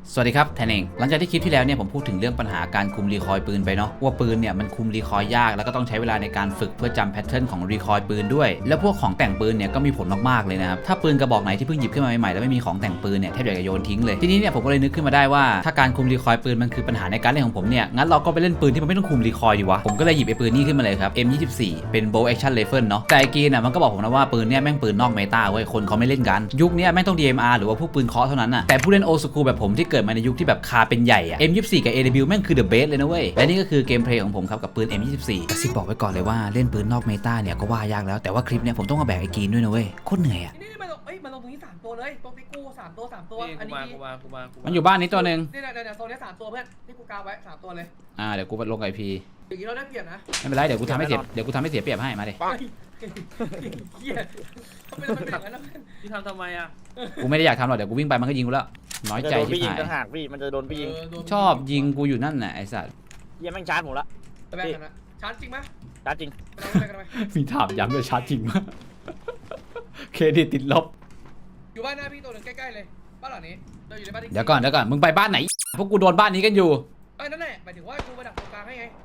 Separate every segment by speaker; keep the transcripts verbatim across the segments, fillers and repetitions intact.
Speaker 1: สวัสดีครับแทนเองหลังจากที่คลิปที่แล้วเนี่ยผมพูดถึงเรื่องปัญหาการคุมรีคอยล์ปืนไปเนาะว่าปืนเนี่ยมันคุมรีคอยล์ยากแล้วก็ต้องใช้เวลาในการฝึกเพื่อจำแพทเทิร์นของรีคอยล์ปืนด้วยแล้วพวกของแต่งปืนเนี่ยก็มีผลมากๆเลยนะครับถ้าปืนกระบอกไหนที่เพิ่งหยิบขึ้นมาใหม่ๆแล้วไม่มีของแต่งปืนเนี่ยแทบอยากจะโยนทิ้งเลยทีนี้เนี่ยผมก็เลยนึกขึ้นมาได้ว่าถ้าการคุมรีคอยล์ปืนมันคือปัญหาในการเล่นของผมเนี่ยงั้นเราก็ไปเล่นปืนที่มันไม่ต้องคุมรีคอยล์ดีวะผมก็เลยหยิบไอ้ปืนนี้ขึ้นมาเลยครับ เอ็ม ยี่สิบสี่ เป็น Bolt Action Rifle เนาะแต่ไอ้กีนอ่ะมันก็บอกผมนะว่าปืนเนี่ยแม่งปืนนอกเมตาเว้ยคนเขาไม่เล่นกันยุคนี้แม่งต้อง ดี เอ็ม อาร์ หรือว่าพวกปืนเคาะเท่านั้นน่ะแต่ผู้เล่นโอสคูลแบบผมที่เกิดมาในยุคที่แบบคาเป็นใหญ่อะ เอ็ม ยี่สิบสี่ กับ เอ ดับเบิลยู แม่งคือ the best เลยนะเว้ยและนี่ก็คือเกมเพลย์ของผมครับกับปืน เอ็ม ยี่สิบสี่ กระซิบบอกไว้ก่อนเลยว่าเล่นปืนนอกเมตาเนี่ยก็ว่ายากแล้วแต่ว่าคลิปเนี่ยผมต้องมาแบกไอ้กีนด้วยนะเว้ยโคตรเหนื่อยอะ
Speaker 2: นี่มันลงเอ้ยมันลงตรงนี้สามตัวเลยตรงที่กูสามตัวสามตัวอันนี้กู
Speaker 3: มากูมากูมา
Speaker 1: มันอยู่บ้านนี้ตัวนึง
Speaker 2: นี่แหละเดี๋ยวโซนนี้สามตัวเพื่อนที่กูกาวไว้สามตัวเลย
Speaker 1: อ่าเดี๋ยวกูไปลงไอพี
Speaker 2: อย่างนี้เราได้เปรียบนะ
Speaker 1: ไม่เป็นไรเดี๋ยวกูทำให้เสียเดี๋ยวกูทำให้เสียเปรียบให้มาดิ
Speaker 2: เฮียทำไมเราเป็นอย่างนั้นล่ะ
Speaker 3: พี่ทำทำไมอ่ะ
Speaker 1: กูไม่ได้อยากทำหรอกเดี๋ยวกูวิ่งไปมันก็ยิงกูแล้วน้อยใจที่หาย
Speaker 4: ต่างหากพี่มันจะโดนพี่ยิง
Speaker 1: ชอบยิงกูอยู่นั่นน่ะไอ้สัตว์
Speaker 4: เยี่ยมแม่งชาร์จผมละ
Speaker 2: แบกกันนะชาร์จจริงไหม
Speaker 4: ชาร์จจริง
Speaker 1: มีถามย้ำเลยชาร์จจริงมากเครดิตติดลบ
Speaker 2: อยู่บ้านหน้าพี่ตัวหนึ่งใกล้ๆเลยบ้านหลังนี้เราอยู่ในบ้านที่
Speaker 1: เดี๋ยวก่อนเดี๋ยวก่อนมึงไปบ้านไหนพวกกูโดนบ้านนี้กันอยู่
Speaker 2: ไอ้นั่นแหละหมายถึงว่ากูมาดักตรงกลางให้ไง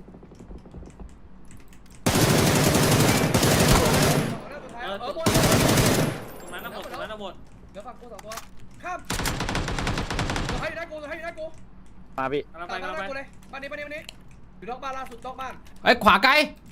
Speaker 3: เออตรงนั้นนะหมดตรงนั้นนะหมด
Speaker 2: เดี๋ยวฝั่งกูสองตัวข้ามตัวให้ได้กูตัวให้ได้กู
Speaker 4: มาพี่
Speaker 3: กำลังไป
Speaker 2: ตาม
Speaker 3: กำลัง
Speaker 2: ได้
Speaker 3: ไป
Speaker 2: กูเลยบ้านนี้บ้านนี้บ้านนี้อยู่นอกบ้านล่าสุดนอกบ้าน
Speaker 1: ไอ้ขวาไกล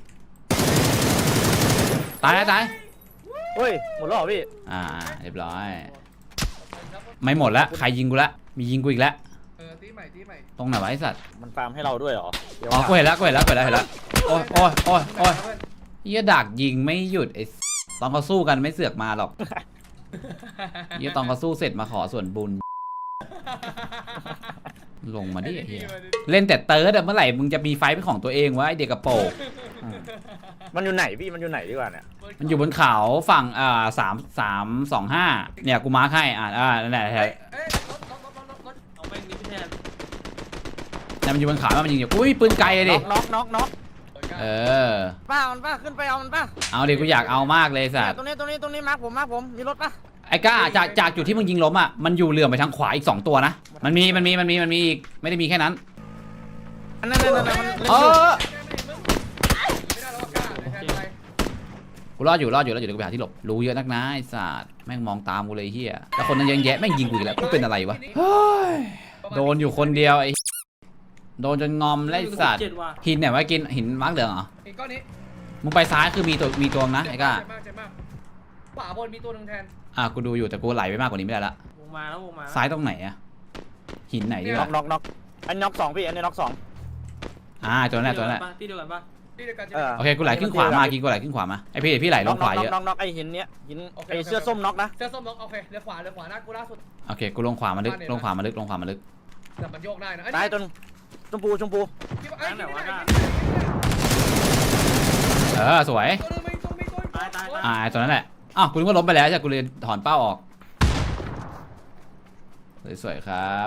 Speaker 1: ตายตาย
Speaker 4: เฮ้ยหมดแล้วเหรอพี่
Speaker 1: อ่าเรียบร้อยไม่หมดละใครยิงกูละมียิงกูอีกแล้ว
Speaker 2: เออตีใหม่ตีใหม่
Speaker 1: ตรงไหนวะไอ้สัตว์
Speaker 4: มันฟาร์มให้เราด้วยเหรอ
Speaker 1: อ๋อกูเห็นแล้วกูเห็นแล้วกูเห็นแล้วเห็นแล้วโอ้ยโอ้ยโอ้ยโอ้ยเหี้ยดักยิงไม่หยุดไอ้ตอนเขาสู้กันไม่เสือกมาหรอกเหี้ยตอนเขาสู้เสร็จมาขอส่วนบุญลงมาดิเฮียเล่นแต่เติร์ดเมื่อไหร่มึงจะมีไฟเป็นของตัวเองวะไอเด็กกระโปง
Speaker 4: มันอยู่ไหนพี่มันอยู่ไหนดีกว่าเนี่ย
Speaker 1: มันอยู่บนเขาฝั่งอ่าสามสามสองห้าเนี่ยกูมาร์คให้อ่าอ่านั่นแหละ
Speaker 3: เอาไปนี่พี่แทน
Speaker 1: เนี่ยมันอยู่บนเขามันยิงอยู่อุ้ยปืนไกลเลยดิ
Speaker 4: น็อกน็อกน็อก
Speaker 1: เออ
Speaker 4: ป้ามันป้าขึ้นไปเอามันป้า
Speaker 1: เอาดิกูอยากเอามากเลยสัตว์
Speaker 4: ตรงนี้ตรงนี้ตรงนี้มาร์คผมมาร์คผมมีรถป่ะ
Speaker 1: ไอ้ก้าจากจากจุดที่มึงยิงล้มอ่ะมันอยู่เหลื่อมไปทางขวาอีกสองตัวนะมันมีมันมีมันมีมันมีอีกไม่ได้มีแค่นั้น
Speaker 4: นั่นนั่นนั่นมัน
Speaker 1: เออกูรอดอยู่รอดอยู่แล้วอยู่เดี๋ยวกูไปหาที่หลบรู้เยอะนักนะไอ้สัตว์แม่งมองตามกูเลยเฮียแล้วคนนั้นยังแยะแม่งยิงกูอีกแล้วกูเป็นอะไรวะโดนอยู่คนเดียวไอ้โดนจนงอมไล่สัตว์หินไหนวะกินหินมาร์กเหลืองเหรอ
Speaker 2: หินก้อนนี้
Speaker 1: มึงไปซ้ายคือมีตัวมีตัวนะไอ้ก้า
Speaker 2: ขวาบนมีตัวหนึ่งแทน
Speaker 1: อ่ะกูดูอยู่แต่กูไหลไปมากกว่านี้ไม่ได้ละ
Speaker 3: วงมาแล้ววงมา
Speaker 1: ซ้ายตรงไหนอะหินไหนดีวะ
Speaker 4: น็อกน็อกน็อกอันน็อกสองพี่อันนี้น็อกสอง
Speaker 1: อ่าตัวนั้นตัวนั้น
Speaker 3: ที่เดียวกันปะ
Speaker 2: ที่เดียวกัน
Speaker 1: โอเคกูไหลขึ้นขวามากินกูไหลขึ้นขวามาไอพี่พี่ไหลลงขวาเยอะ
Speaker 4: น็อกน็อกไอหินเนี้ยหินไอเสื้อส้มน็อกนะ
Speaker 2: เสื้อส้มน็อกโอเคเรือขวาเรือขวาหน้ากูล่าสุด
Speaker 1: โอเคกูลงขวามาลึกลงขวามาลึกลงขวามาลึก
Speaker 2: แต่มันโยกได้นะ
Speaker 4: ตายจนชมพูชมพู
Speaker 1: เออสวยอ่าตัวนั้นแหละอ้าวกูนึกว่าล้มไปแล้วใช่กูเลยถอนเป้าออกสวยๆครับ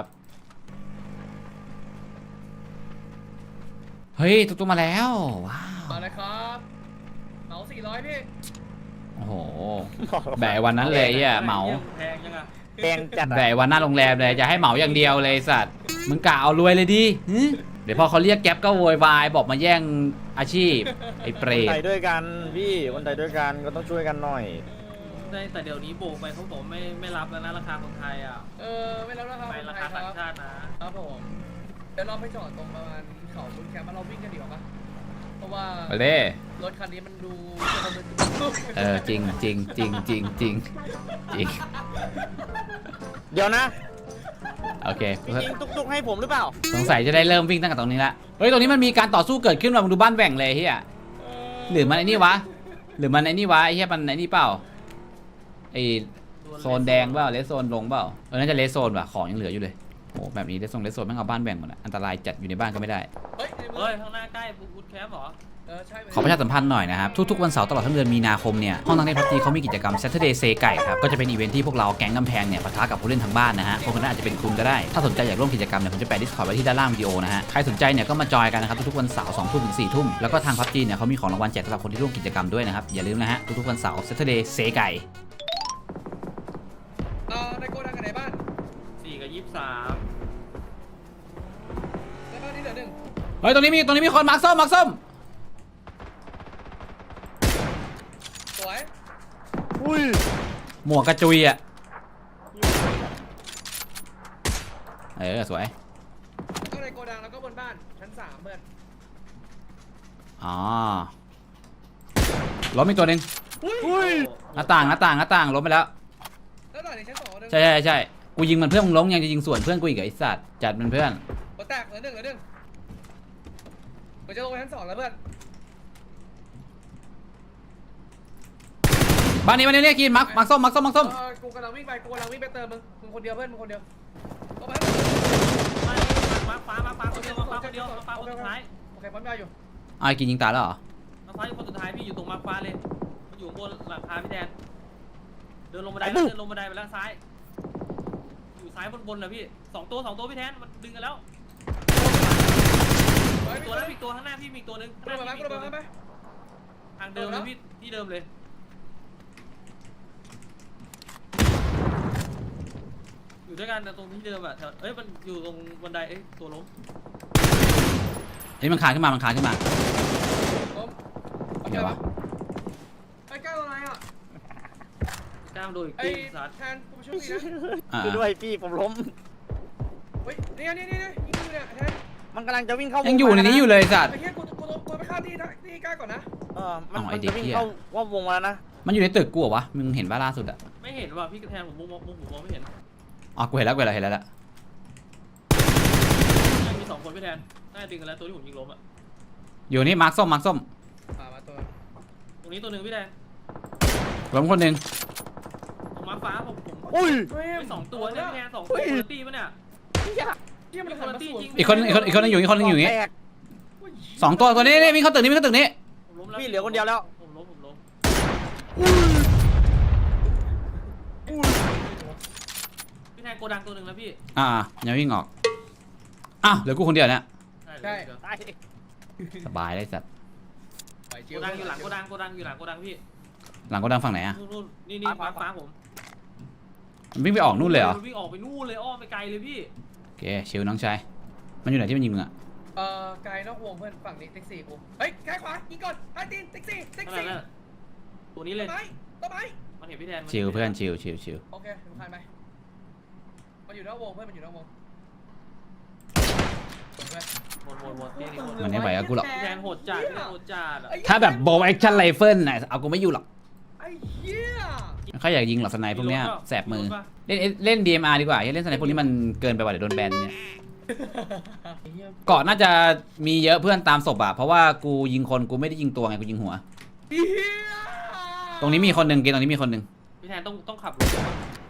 Speaker 1: เฮ้ยตุ๊กตุ๊กมาแล้วว้าว
Speaker 2: มาเลยครับเหมาสี่ร้อยพี่
Speaker 1: โอ้โหแบกวันนั้นเลยอ่ะเหมา
Speaker 3: แพงจังอะ
Speaker 4: แพงจัด
Speaker 1: แบกวันหน้าโรงแรมเลยจะให้เหมาอย่างเดียวเลยสัตว์มึงกะเอารวยเลยดิเดี๋ยวพอเขาเรียกแก๊ปก็โวยวายบอกมาแย่งอาชีพไอ้เปรต
Speaker 4: คนไทยด้วยกันพี่คนไทยด้วยกันก็ต้องช่วยกันหน่อย
Speaker 3: แต่เดี๋ยวนี้โบกไปเขาบอกไม่ไม่รับแล้วนะราคาคนไทยอ่ะ
Speaker 2: เออไม่รับราคา
Speaker 3: ไปราคาต่างชาตินะครับ
Speaker 2: ผมเดี๋ยวเราไปจอดตรงประมาณเขาบุญแคมป์เราวิ่งกันดีกว่าปะเพราะว่ารถคันนี้มันดู
Speaker 1: เออจริงจริงจริงจริงจริงจริง
Speaker 4: เดี๋ยวนะ
Speaker 1: โอเค
Speaker 4: ยิงตุกๆให้ผมหรือเปล่า
Speaker 1: สงสัยจะได้เริ่มวิ่งตั้งแต่ตรงนี้ละเฮ้ยตรงนี้มันมีการต่อสู้เกิดขึ้นว่ะมึงดูบ้านแหว่งเลยเฮียหรือมันไอ้นี่วะหรือมันไอ้นี่วะไอ้เฮียมันไอ้นี่เปล่าไอโซนแดงเปล่าเลสโซนลงเปล่าเออน่าจะเลสโซนว่ะของยังเหลืออยู่เลยโอ้แบบนี้เลสโซนเลสโซนแม่งเอาบ้านแบ่งหมดอ่ะอันตรายจัดอยู่ในบ้านก็ไม่ได้
Speaker 2: เฮ้ย
Speaker 3: เฮ้ยข้างหน้าใกล้บูทแคมป์เหรอ
Speaker 1: ขอประชาสัมพันธ์หน่อยนะครับทุกๆวันเสาร์ตลอดทั้งเดือนมีนาคมเนี่ยห้องนั่งเล่นพับจีเขามีกิจกรรม Saturday Say ไก่ครับก็จะเป็นอีเวนท์ที่พวกเราแก๊งกำแพงเนี่ยปะทะกับผู้เล่นทางบ้านนะฮะคนนั้นอาจจะเป็นคุณก็ได้ถ้าสนใจอยากร่วมกิจกรรมเนี่ยผมจะแปะ Discord ไว้ที่ด้านล่างวิดีโอนะฮะใครสนใจเนี่ยก็มาจอยกันนะครับทุกๆวันเสาร์สองทุ่มถึงสี่ทุ่มแล้วก็ทางพับจีเนี่ยเขามีของรางวัลแจกสำหรับคนที่ร่วมกิจกรรมด้วยนะครับอย่าลืมนะฮะทุกๆวันเสาร์ Saturday Say ไก่
Speaker 2: เอ่อในโกดังกันไหนบ้าน
Speaker 3: สี่กับยี่สิบสาม
Speaker 2: เหลือหนึ่ง
Speaker 1: เฮ้ยตรงนี้มีตรงนี้มีคนมาร์คส้มมาร์คส้ม
Speaker 2: สวย
Speaker 4: อุ้ย
Speaker 1: หมวกกระจุยอ่ะเออสวย
Speaker 2: ก็ในโกดังแล้วก็บนบ้านชั้นสามเพื่อน
Speaker 1: อ๋อล้มอีกตัวหนึ่ง
Speaker 4: อุ้ย
Speaker 1: หน้าต่างหน้าต่างหน้าต่างล้มไปแล้ว
Speaker 2: แล้วต่อในชั้นสองหนึ่ง
Speaker 1: ใช่ใช่ใช่กูยิงมันเพื่อนมึงล้มยังจะยิงส่วนเพื่อนกูอีกเหรอไอ้สัตว์จัดมันเพื่อน
Speaker 2: หัวแตกเหลือหนึ่งเหลือหนึ่งเราจะลงไปชั้นสองแล้วเพื่อน
Speaker 1: บ้านนี้บ้านนี้เนี่ยกินมาร์คมาร์คส้มมาร์คส้มมาร์คส้ม
Speaker 2: เออกูกำลังวิ่งไปกูกำลังวิ่งไปเติมมึงมึงคนเดียวเพื่อนมึงคนเดียวลงไป
Speaker 3: มามาฟ้ามาฟ้าคนเดียวมาฟ้าคนเดียวมาฟ้าคนสุดท้าย
Speaker 2: โอเคปั๊มยาอยู่
Speaker 1: อ้าวไอ้กินยิงตายแล้วเหรอ
Speaker 3: มาฟ้าคนสุดท้ายพี่อยู่ตรงมาฟ้าเลยมันอยู่บนหลังคาพี่แทนเดินลงบันไดแล้วเดินลงบันไดไปแล้วซ้ายอยู่ซ้ายบนบนนะพี่สองตัวสองตัวพี่แทนมันดึงกันแล้ว
Speaker 2: ไป
Speaker 3: ตัวนั้นอีกตัวข้างหน้าพี่มีตัวนึง
Speaker 2: กูลงไปกูลงไปไป
Speaker 3: ทางเดิมเลยพี่ที่เดิมเลยอยู่ด้วยกันตรงที่เดิมอ่ะเอ้ยมันอยู่ตรงบันไดเอ้ยตัวล้ม
Speaker 1: เฮ้ยมันคานขึ้นมามันคานขึ้นมา
Speaker 2: ล้ม
Speaker 1: เดี๋ยววะ
Speaker 2: ไอ้ก้าวอะไรอ่ะ
Speaker 3: กล้ามโดย
Speaker 2: ไอ้
Speaker 3: กิ้งสัตว์
Speaker 2: แทนกูช่วยดีนะ
Speaker 1: อ่า
Speaker 4: คือด้วยพี่ผมล้ม
Speaker 2: เฮ้ยเนี่ยเนี่ยเนี่ยยิงกูเนี่ยแทน
Speaker 4: มันกำลังจะวิ่งเข้า
Speaker 1: ยั
Speaker 4: ยัง
Speaker 1: อยู่ในนี้อยู่เลยไอ้สัตว์
Speaker 2: ไอ้เหี้ยกูกูกูไปฆ่าที่ที่ก้าก่อนนะ
Speaker 4: เออมัน
Speaker 1: อ๋อไอ้
Speaker 4: มัน
Speaker 1: เด็ก
Speaker 4: จะวิ่ง
Speaker 1: เหี้ย
Speaker 4: เข้าว่าวงมาแล้วนะ
Speaker 1: มันอยู่ในตึกกูเหรอวะมึงเห็นป่ะล่าสุดอะ
Speaker 3: ไม่เห็นว่ะพี่กระแทนผมมองมองผมมองไม่เห็น
Speaker 1: อ๋อกูเห็นแล้วกูเห็นแล้วเห็นแล้วละ
Speaker 3: มีสองคนพี่แทนน่าจะดึงกันแล้วตัวที่ผมยิงล้มอ่ะ
Speaker 1: อยู่นี่มาร์คส้มมาร์คส้ม
Speaker 2: อ่ามาตัว
Speaker 3: ตรงนี้ตัวหนึ่งพี่แทน
Speaker 1: ล้มคนหนึ่ง
Speaker 3: ตรงม้าฟ้าผมผม
Speaker 4: อุ้ย
Speaker 3: ไม่สองตัวเนี่ยพี่แทนสองตัวคุณตี้ปะเนี่ย
Speaker 2: เหี้ยมันหันมาสวน
Speaker 1: อีกคนอีกคนอีกคนนึงอยู่อีกคนนึงอยู่อย่างงี้
Speaker 4: แตก
Speaker 1: สองตัวตัวนี้นี่วิ่งเข้าตึกนี้วิ่งเข้าตึกนี้
Speaker 3: ผมล้มแล้ว
Speaker 4: พี่เหลือคนเดียวแล้ว
Speaker 3: ผมล้มผมล้ม
Speaker 4: อุ้ยอุ้ย
Speaker 3: พี่แทนโกดังตัวหนึ่งแล้วพี่
Speaker 1: อ่าอย่าวิ่งออกอ้าวเหลือกูคนเดียวเนี่ย
Speaker 3: ใช่
Speaker 4: ตาย
Speaker 1: สบายเลยสัตว์
Speaker 3: โกดังอยู่หลังโกดังโกดังอยู่หลังโกดังพี่
Speaker 1: หลังก็ดังฝั่งไหนอะ
Speaker 3: นู่นนู่นนี่นี่ม้าฟ้าผม
Speaker 1: มันวิ่งไปออกนู่นเลยเหรอ
Speaker 3: วิ่งออกไปนู่นเลยอ้อมไปไกลเลยพี่
Speaker 1: โอเคชิวน้องชายมันอยู่ไหนที่มันยิงมึงอะ
Speaker 2: เอ่อไกลนอกวงเพื่อนฝั่งนี้ติ๊กซี่กูเฮ้ยแค่ขวายิงก่อนไอ้ตีนติ๊กซี่ติ๊ก
Speaker 3: นั่น
Speaker 2: ซี่
Speaker 3: แหละตัวนี้
Speaker 2: ต้
Speaker 3: เล
Speaker 2: น
Speaker 3: ย
Speaker 2: ไม้ต้นไม้
Speaker 3: มันเห็นพี่แทน
Speaker 1: ชิวเพื่อนชิวชิวชิว
Speaker 2: โอเคผมผ่านไปมันอยู่นอกวงเพื่อนมันอยู่นอกวงเพื่อน
Speaker 3: หมดหมดหมดที่นี่หมด
Speaker 1: มันไม่ไหวกับกูหรอก
Speaker 3: พี่แทนโหดจัดพี่แทนโหดจัดอ่ะ
Speaker 1: ถ้าแบบโบว์แอคชั่นไรเฟิลน่ะเอากูไม่อยู่หรอก
Speaker 2: ไอ้เหี้ย
Speaker 1: ไม่ค่อยอยากยิงหรอกสไนป์พวกเนี้ยแสบมือเล่นเล่น ดี เอ็ม อาร์ ดีกว่าอย่าเล่นสไนป์พวกนี้มันเกินไปว่ะเดี๋ยวโดนแบนเนี่ยเกาะน่าจะมีเยอะเพื่อนตามศพอะเพราะว่ากูยิงคนกูไม่ได้ยิงตัวไงกูยิงหัว
Speaker 2: เหี้ย
Speaker 1: ตรงนี้มีคนหนึ่งเกณฑ์ตรงนี้มีคนหนึ่ง
Speaker 3: พี่แทนต้องต้องขับรถ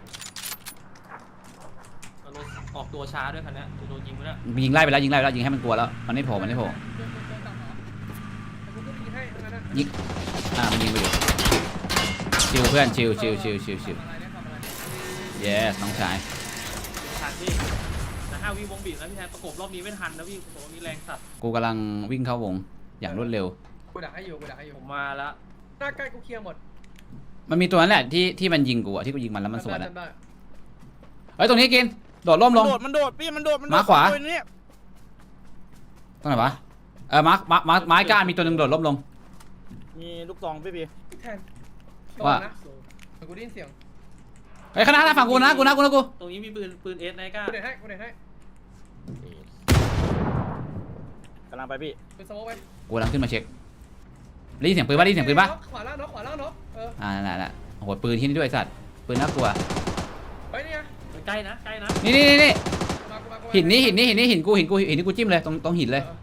Speaker 3: เอารถออกตัวช้าด้วยคันนี้จะโดนยิงไปแล้ว
Speaker 1: ยิงไล่ไปแล้วยิงไล่ไปแล้วยิงให้มันกลัวแล้วมันไม่โผล่มันไม่โผล่
Speaker 2: เดินเดินตามเหรอแต่กูก็ไปยิงให้ทั้งนั้นนะ
Speaker 1: ยิงอ่ามันยิงไปอยู่ชิวเพื่อนชิวชิวชิวชิวชิว
Speaker 2: ทำอะไรเนี่ยทำอะไร
Speaker 1: เยสน้องชาย
Speaker 3: ทันพี่แต่ห้าวิวงบีบนะพี่แทนประกบรอบนี้ไม่ทันนะพี่ผมว่ามีแรงสัตว์
Speaker 1: กูกำลังวิ่งเข้าวงอย่างรวดเร็ว
Speaker 2: กูดักให้อยู่กูดักให้อยู่
Speaker 3: ผมมาแล้ว
Speaker 2: หน้าใกล้กูเคลียร์หมด
Speaker 1: มันมีตัวนั้นแหละที่ที่มันยิงกูอะที่กูยิงมันแล้วมันสวน
Speaker 2: จำได้
Speaker 1: อะ
Speaker 2: จำได้
Speaker 1: เฮ้ยตรงนี้กินโดดร่มลง
Speaker 4: มันโดดมันโดดพี่มันโดดมันโดด
Speaker 1: มาขวา
Speaker 4: ตัวนี้
Speaker 1: ตรงไหนวะเออมาร์คมาร์คมาร์คไม้ก้านมีตัวหนึ่งโดดร่มลง
Speaker 4: มีลูกซองพี่พี่
Speaker 2: พี่แทน
Speaker 1: ว่า
Speaker 2: ระงนะเดี๋ยวกูได้ยินเสียง
Speaker 1: เฮ้ยข้างหน้าหน้าฝั่งกูนะกูนะกูนะกู
Speaker 3: ตรงนี้มีปืนปืนเอสไนก้า
Speaker 2: กูเด็ดให้กูเด็ดให้
Speaker 4: กำลังไปพี่
Speaker 2: เป็นสโมกไป
Speaker 1: กูกำลังขึ้นมาเช็คได้ยินเสียงปืนป่ะได้ยินเสียงปืนป่ะ
Speaker 2: ขวาล่างเนาะขวาล่างเนาะเออ
Speaker 1: อ่านั่นแหละโอ้โหปืนที่นี่ด้วยไอ้สัตว์ปืนน่ากลัว
Speaker 2: ไปนี่ไง
Speaker 3: ใกล้นะใกล้นะ
Speaker 1: นี่นี่นี่นี่
Speaker 2: มากูมากูมา
Speaker 1: หินนี้หินนี้หินนี้หินกูหินกูหินนี้กูจิ้มเลยตรงตรงหินเลย
Speaker 2: ออ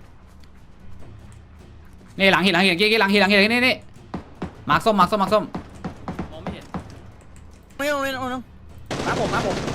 Speaker 1: นี่หลังหินหลังหินกี้กี้หลังหินหลังหินนี่นี่มาร์คส้มมาร์คส้มมาร์คส้ม
Speaker 3: มองไม่เห็น
Speaker 4: ไม่ต้องเล่นเอาน้องมาผมมาผม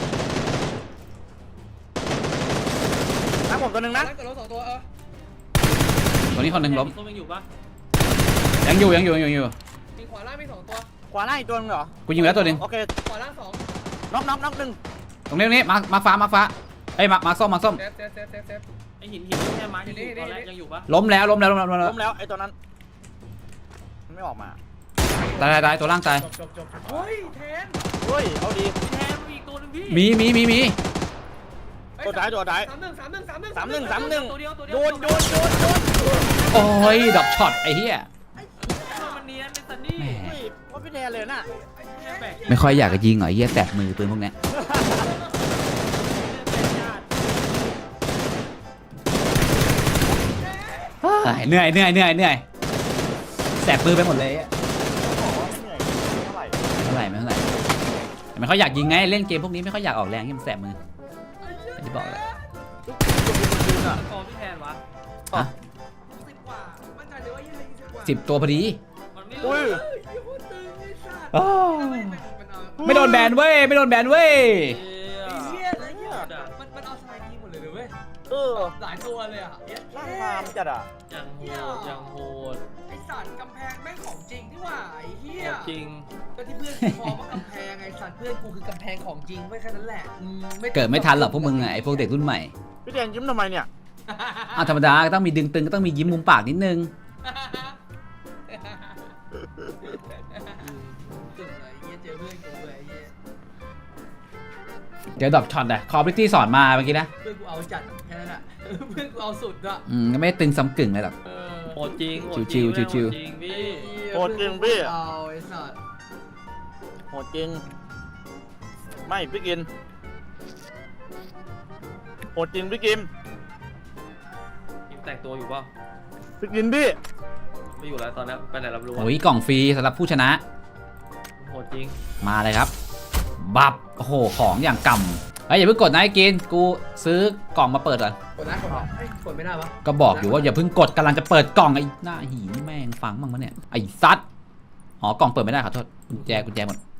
Speaker 4: มาผมตัวหนึ่ง
Speaker 2: นะ
Speaker 4: นะ
Speaker 2: เกิดรถสองตัวเออ
Speaker 1: ตัวนี้คนหนึ่งล้ม
Speaker 3: ต้นยังอยู่ปะ
Speaker 1: ยังอยู่ยังอยู่ยังอยู่
Speaker 2: มีขวาล่างมีสองตัว
Speaker 4: ขวาหน้าอีกตัวหนึงเหรอ
Speaker 1: กูยิงไปแล้วตัวหนึ่ง
Speaker 4: โอเค
Speaker 2: ขวาล่างสอง
Speaker 4: น็อกน็อกน็อกหนึ่ง
Speaker 1: ตรงนี้ตรงนี้มาร์คมาร์คฟ้ามาร์คฟ้าเอ้ยมาร์คมาร์คส้มมาร์คส้ม
Speaker 2: เซฟเซฟเซฟเซฟเซฟ
Speaker 3: ไอหินหินที่แค่ไม้ที่อยู่ตอนแรกยังอยู่ปะ
Speaker 1: ล้มแล้วล้มแล้วล้มแล้วล้มแล้ว
Speaker 4: ล้มแล้วไอ้ตัวนั้นมันไม่ออกมา
Speaker 1: ตายตายตายตัวล่างตาย
Speaker 2: จบจบจบเฮ้ยแทน
Speaker 4: เฮ้ยเอาดี
Speaker 3: พี่แทนมีอีกตัวนึงพี่
Speaker 1: มีมีมีมี
Speaker 4: ตัวท้ายตัวท้าย
Speaker 2: สามหนึ่งสามหนึ่งสามหนึ่ง
Speaker 4: สามหนึ่งสามหนึ่ง
Speaker 3: ตัวเดียวตัวเดี
Speaker 4: โย
Speaker 3: ยวน
Speaker 4: โยนโยนโยน
Speaker 1: โอ้ยดอกช็อตไอ้เหี้ย
Speaker 3: มันเนียนเป็นซันนี่
Speaker 1: แหม
Speaker 4: เฮ้ยว่าพี่แดนเลยน่ะ
Speaker 3: แค่แบก
Speaker 1: ไม่ค่อยอยากจะยิงเหรอไอ้เหี้ยแสบมือปืนพวกเนี้ยเฮ้ยเหนื่อยเหนื่อยเหนื่อยเหนื่อยแสบมือไปหมดเลยอะ
Speaker 4: บอกว่าเหนื่อยเท่าไหร่
Speaker 1: ไม่เท่าไหร่ไม่เท่าไหร่แต่ไม่ค่อยอยากยิงไงเล่นเกมพวกนี้ไม่ค่อยอยากออกแรงที่มันแสบมืออย่างที่บอกเลย
Speaker 3: กองพี่แทนวะ
Speaker 1: ฮะ
Speaker 2: สิบกว่ามั่นใจเลยว่ายี่สิบกว่า
Speaker 1: สิบตัวพอดี
Speaker 3: มันไม่
Speaker 4: อุ้
Speaker 3: รู้
Speaker 4: ย
Speaker 2: เฮ้ยยี่ห้อตึงไอ้สัตว์
Speaker 1: อ้าว
Speaker 2: ไม่มันมันเอา
Speaker 1: ไม่โดนแบนเว้ยไม่โดนแบนเว้ย
Speaker 2: ไอ้เหี้ยไอ้เหี้ยมันมันเอาสไนด์ยิงหมดเลยเว้ย
Speaker 4: เออ
Speaker 2: หลายตัวเลยอ่ะเหี้ย
Speaker 4: ร่างพามจัดอ่ะ
Speaker 3: ยังโหดยังโหด
Speaker 2: ไอ้สัตว์กำแพงแม่งของจริงที่ว่าไอ้เหี้ย
Speaker 3: จริง
Speaker 2: ก็ที่เพื่อนกูพอว่ากำแพงไอ้สัตว์เพื่อนกูคือกำแพงของจริงไม่แค่นั้นแหละอืม
Speaker 1: เกิดไม่ทันหรอกพวกมึงอะไอพวกเด็กรุ่นใหม่
Speaker 4: พี่แดนยิ้มทำไมเนี่ย
Speaker 1: อ้าวธรรมดาก็ต้องมีดึงตึงก็ต้องมียิ้มมุมปากนิดนึง
Speaker 2: ตึงเลยไอ้เหี้ยเจอเพื่อนกูเลยไอ้เหี้ย
Speaker 1: เดี๋ยวดรอปช็อตอะคอร์บิตี้สอนมาเมื่อกี้นะ
Speaker 2: เพื่อนกูเอาจัดแค่นั้นอ่ะเพื่อนกูเอาสุดอ่ะ
Speaker 1: อืมก็ไม่ได้ตึงซ้ำกึ่งเลยหรอก
Speaker 2: เออ
Speaker 3: โหดจริงโหด
Speaker 1: ชิวๆ
Speaker 3: จริง
Speaker 1: ชิวๆ
Speaker 3: โหดจริงพี่
Speaker 4: โหดจริงพี่
Speaker 2: เอาไอ้สัตว์
Speaker 4: โหดจริง ไม่พี่กินโหดจริงพี่กิม
Speaker 3: ทีมแต่งตัวอยู่เปล่า
Speaker 4: พี่กินพี่
Speaker 3: ไม่อยู่แล้วตอนนี้ไปไหนรับรู้
Speaker 1: โอ้ยกล่องฟรีสำหรับผู้ชนะ
Speaker 3: โหดจริง
Speaker 1: มาเลยครับ บับโอ้โหของอย่างกำเฮ้ยอย่าเพิ่งกดนะไอ้กินกูซื้อกล่องมาเปิดก่อน
Speaker 2: กดนะกดนะเอ้ยกดไม่ได้ปะ
Speaker 1: ก็บอกอยู่ว่าอย่าเพิ่งกดกำลังจะเปิดกล่องไอ้หน้าหีนี่แม่งฟังบ้างมะเนี่ยไอ้ซัดอ๋อกล่องเปิดไม่ได้ขอโทษกุญแจกุญแจหมด